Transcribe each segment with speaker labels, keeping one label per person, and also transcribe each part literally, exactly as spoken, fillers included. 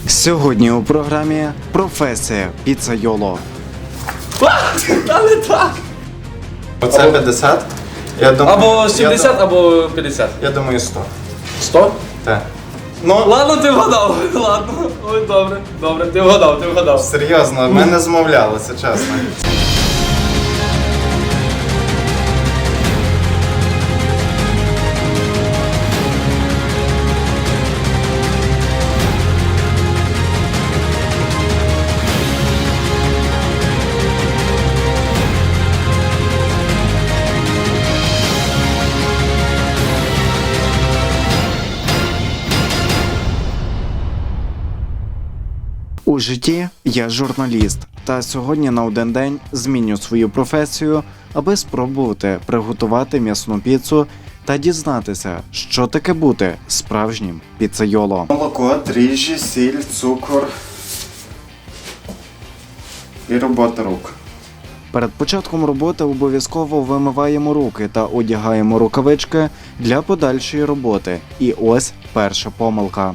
Speaker 1: Сьогодні у програмі професія піцайоло.
Speaker 2: Та не так!
Speaker 3: Оце п'ятдесят. Я думаю,
Speaker 2: Або сімдесят,
Speaker 3: я,
Speaker 2: або п'ятдесят.
Speaker 3: я думаю, сто.
Speaker 2: сто?
Speaker 3: Так. Ну,
Speaker 2: Ладно, ти вгадав. Ладно. Ой, добре, добре, ти вгадав, ти вгадав.
Speaker 3: серйозно, ми не змовлялися, чесно.
Speaker 1: У житті я журналіст, та сьогодні на один день зміню свою професію, аби спробувати приготувати м'ясну піцу та дізнатися, що таке бути справжнім піцайоло.
Speaker 3: Молоко, дріжджі, сіль, цукор і робота рук.
Speaker 1: Перед початком роботи обов'язково вимиваємо руки та одягаємо рукавички для подальшої роботи. І ось перша помилка.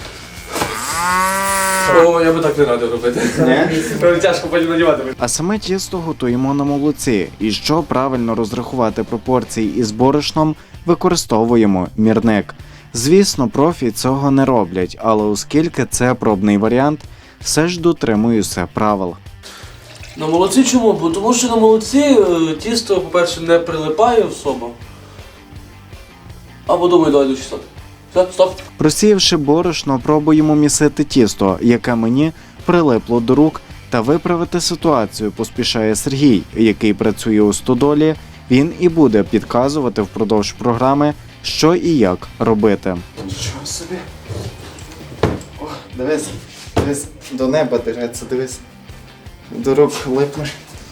Speaker 2: О, я би так не радив робити.
Speaker 3: Ні?
Speaker 2: Тяжко потім надівати.
Speaker 1: А саме тісто готуємо на молоці. І щоб правильно розрахувати пропорції із борошном, використовуємо мірник. Звісно, профі цього не роблять, але оскільки це пробний варіант, все ж дотримуюся правил.
Speaker 2: На молоці чому? Бо тому що на молоці е, тісто, по-перше, не прилипає особо. Або думаю, давай до шістсот. Все, стоп.
Speaker 1: Просіявши борошно, пробуємо місити тісто, яке мені прилипло до рук, та виправити ситуацію поспішає Сергій, який працює у стодолі. Він і буде підказувати впродовж програми, що і як робити.
Speaker 3: Нічого собі. О, дивись, дивись, до неба дереться, дивись. До рук липне.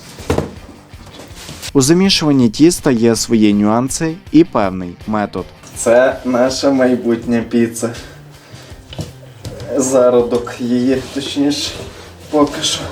Speaker 1: У замішуванні тіста є свої нюанси і певний метод.
Speaker 3: Це наша майбутня піца. Зародок її, точніше, поки що.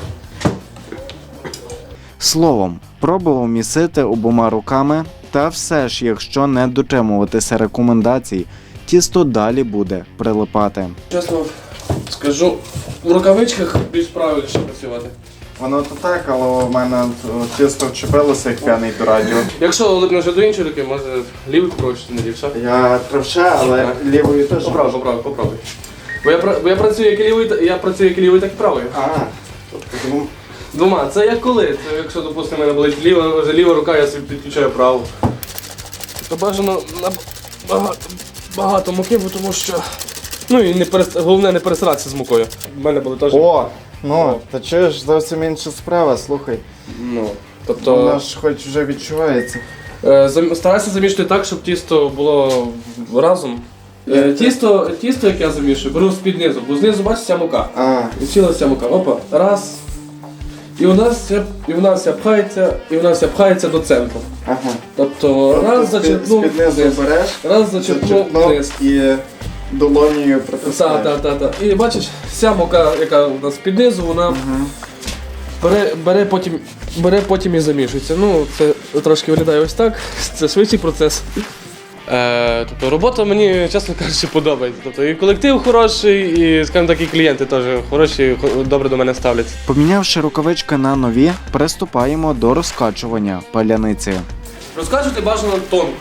Speaker 1: Словом, пробував місити обома руками, та все ж, якщо не дотримуватися рекомендацій, тісто далі буде прилипати.
Speaker 2: Чесно скажу, в рукавичках більш правильніше працювати.
Speaker 3: Воно то так, але у мене тісто вчепилося, як п'яний до радіо.
Speaker 2: Якщо липнеш до іншої руки, може лівий попробуєш, чи не лівша?
Speaker 3: Я правша, але лівою теж.
Speaker 2: Попробуй, попробуй, попробуй. Бо я, пра- бо я працюю як і лівий, та- я працюю як і лівий, так і правою.
Speaker 3: А, тому
Speaker 2: Двома. Це як коли? Це якщо, допустимо, в мене болить ліва, вже ліва рука, я собі підключаю праву. То бажано на багато, багато муки, бо тому що. Ну і не перес... головне не пересиратися з мукою. У мене були теж.
Speaker 3: О, ну, та чуєш, зовсім інша справа, слухай.
Speaker 2: Ну, тобто.
Speaker 3: Воно ж хоч вже відчувається.
Speaker 2: Е, зам- Старайся замішувати так, щоб тісто було разом. Е, Тісто, тісто, як я замішую, беру з-під низу, бо знизу бачиш ця мука.
Speaker 3: А,
Speaker 2: І ціла ця мука. Опа, раз. І у нас вся, і у нас вся пхається, і у нас вся пхається до центру.
Speaker 3: ага.
Speaker 2: Тобто раз зачерпнув
Speaker 3: З-під низу
Speaker 2: вниз,
Speaker 3: береш,
Speaker 2: раз зачерпнув
Speaker 3: зачерпнув
Speaker 2: вниз.
Speaker 3: і долонію
Speaker 2: Так,
Speaker 3: притискаєш.
Speaker 2: так, так, так. І бачиш, вся мука, яка у нас під низу, вона бере, бере, потім, бере потім і замішується. Ну, це трошки виглядає ось так, це швидший процес. Е, тобто робота мені, чесно кажучи, подобається. Тобто і колектив хороший, і, скажімо так, і клієнти теж хороші, хо- добре до мене ставляться.
Speaker 1: Помінявши рукавички на нові, приступаємо до розкачування паляниці.
Speaker 2: Розкачувати бажано тонко.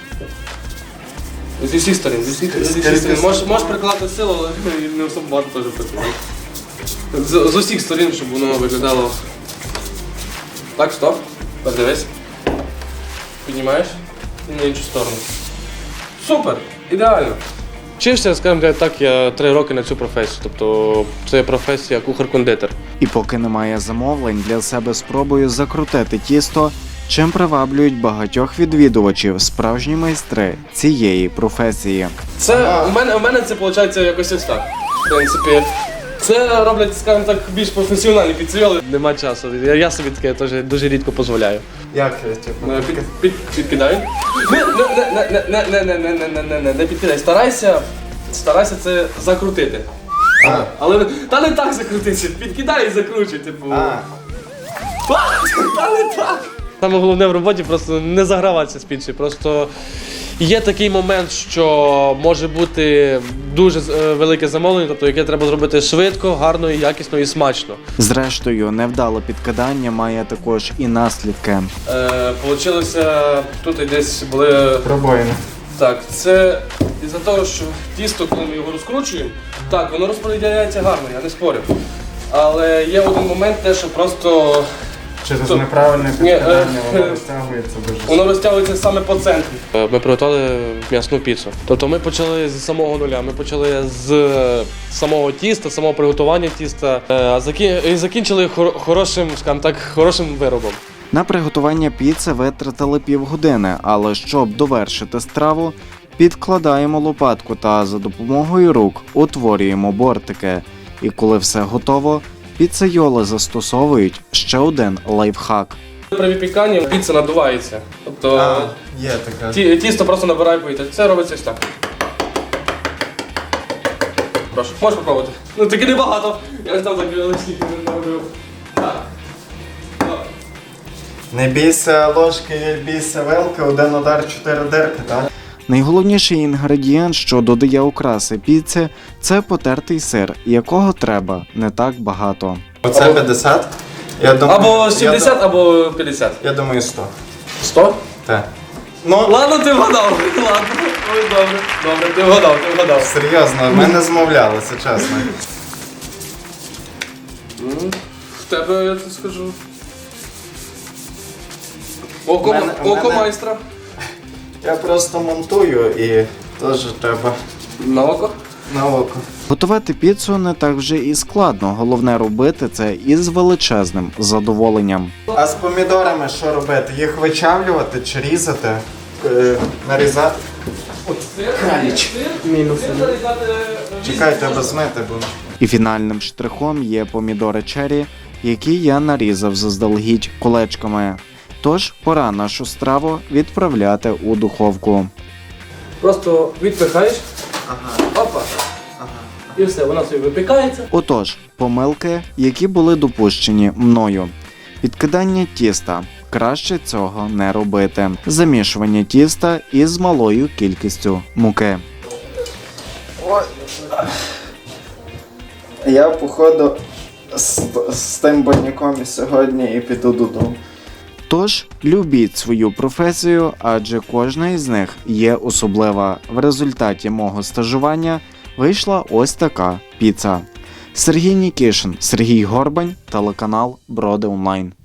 Speaker 2: Зі всіх сторін, зі всіх, зі всіх сторін. Можеш, можеш прикладати силу, але не особо багато теж працює. З, з усіх сторін, щоб воно виглядало. Так, стоп. Подивись. Піднімаєш і на іншу сторону. Супер! Ідеально! Вчився, скажімо так, я три роки на цю професію. Тобто це професія кухар-кондитер.
Speaker 1: І поки немає замовлень, для себе спробую закрутити тісто, чим приваблюють багатьох відвідувачів справжні майстри цієї професії.
Speaker 2: Це у мене, у мене це виходить якось ось так. В принципі, це роблять, скажімо так, більш професіональні піцеріоли. Нема часу. Я, я собі таке теж дуже рідко дозволяю.
Speaker 3: Як я, типу?
Speaker 2: Е, Під, під, підкидай. Не, не, не, не, не, не, не, не, не, не, не, не підкидай. Старайся, старайся це закрутити.
Speaker 3: А.
Speaker 2: Але та не так закрутити, підкидай і закручуй, типу.
Speaker 3: А,
Speaker 2: Та не так. Саме головне в роботі просто не заграватися з піцею, просто Є такий момент, що може бути дуже е, велике замовлення, тобто яке треба зробити швидко, гарно, і якісно і смачно.
Speaker 1: Зрештою, невдале підкидання має також і наслідки.
Speaker 2: Е, Получилося, тут і десь були.
Speaker 3: Пробоїно.
Speaker 2: Так, це із-за того, що тісто, коли ми його розкручуємо, так, воно розподіляється гарно, я не спорю. Але є один момент, те, що просто
Speaker 3: Через
Speaker 2: То-
Speaker 3: неправильне
Speaker 2: Ні, е,
Speaker 3: підкидання воно
Speaker 2: е,
Speaker 3: розтягується дуже
Speaker 2: воно розтягується саме по центрі. Ми приготували м'ясну піцу. Тобто ми почали з самого нуля, ми почали з самого тіста, самого приготування тіста, е, а закі- і закінчили хор- хорошим, скажімо так, хорошим виробом.
Speaker 1: На приготування піци витратили півгодини, але щоб довершити страву, підкладаємо лопатку та за допомогою рук утворюємо бортики. І коли все готово, піцейоли застосовують ще один лайфхак.
Speaker 2: При випіканні піца надувається. Тобто
Speaker 3: А, є така.
Speaker 2: ті- тісто просто набирає повітря. Це робиться ось так. Прошу, можеш попробувати. Ну таки небагато. Я ж там так скільки не робив. Так. Давай.
Speaker 3: Не бійся ложки, не бійся вилки, один удар, чотири дирки, так?
Speaker 1: Найголовніший інгредієнт, що додає окраси піці, це потертий сир, якого треба не так багато.
Speaker 3: Оце
Speaker 2: Або-
Speaker 3: п'ятдесят. Я думаю,
Speaker 2: Або сімдесят,
Speaker 3: Я,
Speaker 2: або п'ятдесят.
Speaker 3: я думаю, сто.
Speaker 2: сто?
Speaker 3: Так. Ну,
Speaker 2: Ладно, ти вгадав. Ладно. Ой, добре. Добре, ти вгадав, ти вгадав.
Speaker 3: серйозно, ми не змовлялися, чесно.
Speaker 2: В тебе, я тобі скажу. Око,
Speaker 3: Мене-
Speaker 2: око
Speaker 3: мене-
Speaker 2: майстра.
Speaker 3: Я просто монтую і теж треба
Speaker 2: На око?
Speaker 3: на око.
Speaker 1: Готувати піцу не так вже і складно, головне робити це із величезним задоволенням.
Speaker 3: А з помідорами що робити? Їх вичавлювати чи різати? Е, нарізати? Краліч. Мінус. Чекай, треба змити, бо...
Speaker 1: І фінальним штрихом є помідори чері, які я нарізав заздалегідь кулечками. Тож пора нашу страву відправляти у духовку.
Speaker 2: Просто відпихаєш.
Speaker 3: Ага.
Speaker 2: Опа. І все, вона собі випікається.
Speaker 1: Отож, помилки, які були допущені мною. Підкидання тіста. Краще цього не робити. Замішування тіста із малою кількістю муки.
Speaker 3: Ой. Я, походу, з, з тим баняком і сьогодні і піду додому.
Speaker 1: Тож, любіть свою професію, адже кожна із них є особлива. В результаті мого стажування вийшла ось така піца. Сергій Нікішин, Сергій Горбань, телеканал Броди Онлайн.